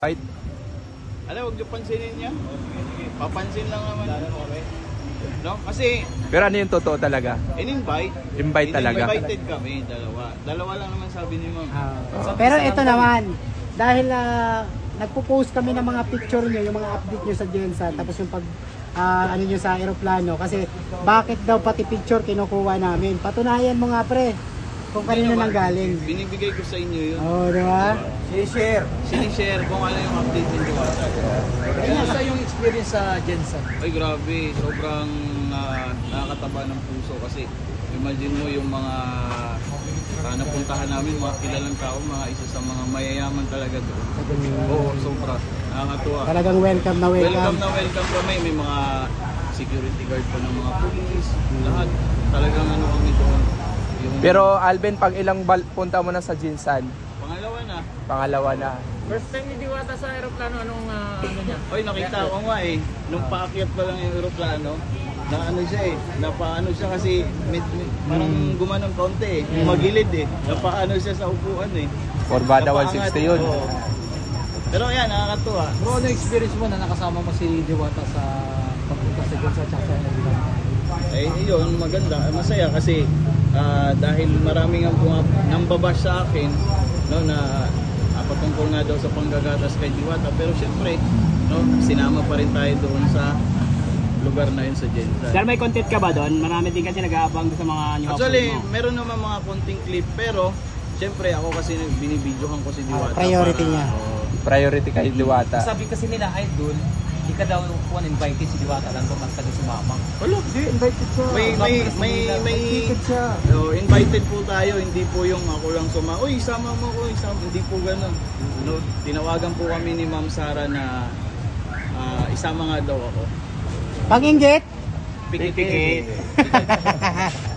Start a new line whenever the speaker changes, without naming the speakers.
Right?
Alam, huwag niyo pansinin niya. Papansin lang naman. No? Kasi,
Pero ano yung totoo talaga?
in-invite.
Invite talaga.
Invited kami, dalawa. Dalawa lang naman sabi ni ma'am.
Pero ito naman, dahil nagpo-post kami ng mga picture nyo, yung mga update nyo sa Gensa, tapos yung pag ano nyo sa aeroplano, kasi bakit daw pati picture kinukuha namin? Patunayan mo nga pre, kung kanino nang galing.
Binibigay ko sa inyo yun.
Oo, di ba?
Sinishare kung ano yung update ng Diwata.
Kumusta yung experience sa Gensa?
Ay grabe, sobrang nakakataba ng puso kasi imagine mo yung mga napuntahan namin, mga kilalang tao, mga isa sa mga mayayaman talaga doon. Oo, sobra. Nakakatuwa.
Talagang welcome na welcome.
Welcome kami. May mga security guard pa ng mga police. Lahat. Talagang ano kami doon. Yung
Pero Alvin, pag ilang punta mo na sa Jinsan,
pangalawa na.
pangalawa na.
First time ni Diwata sa aeroplano, anong ano niya?
Oy, nakita ko nga eh. Nung paakyat pa lang yung aeroplano, na ano siya eh. Napaano siya kasi parang gumanong konti eh. Magilid eh. Napaano siya sa upuan eh.
Forbada
Napaangat.
160 yun.
Oo. Pero yan, nakakatuwa.
Bro, ano experience mo na nakasama mo si Diwata sa pagpunta sa Gensa at sa aeroplano?
Eh, yun, maganda. Masaya kasi dahil maraming ang nambabash sa akin, no, na patungkol nga daw sa panggagatas kay Diwata. Pero syempre, no, sinama pa rin tayo doon sa lugar na yun sa Gensa.
Sir, may content ka ba doon? Marami din kasi nag-aabang sa mga new
Actually,
upload mo.
meron naman mga konting clip, pero syempre ako kasi binibidyohan ko si Diwata.
Priority niya.
Priority kay Diwata.
Sabi kasi nila, idol, hindi ka daw invited si Diwata lang kumanta doon si Mama.
Wala, di, invited siya. May
Ticket siya.
invited po tayo, hindi po yung ako lang uy, sama mo ko, hindi po gano'n. No, tinawagan po kami ni Ma'am Sara na isama nga daw ako.
Pag-inggit,
Pikit-pikit.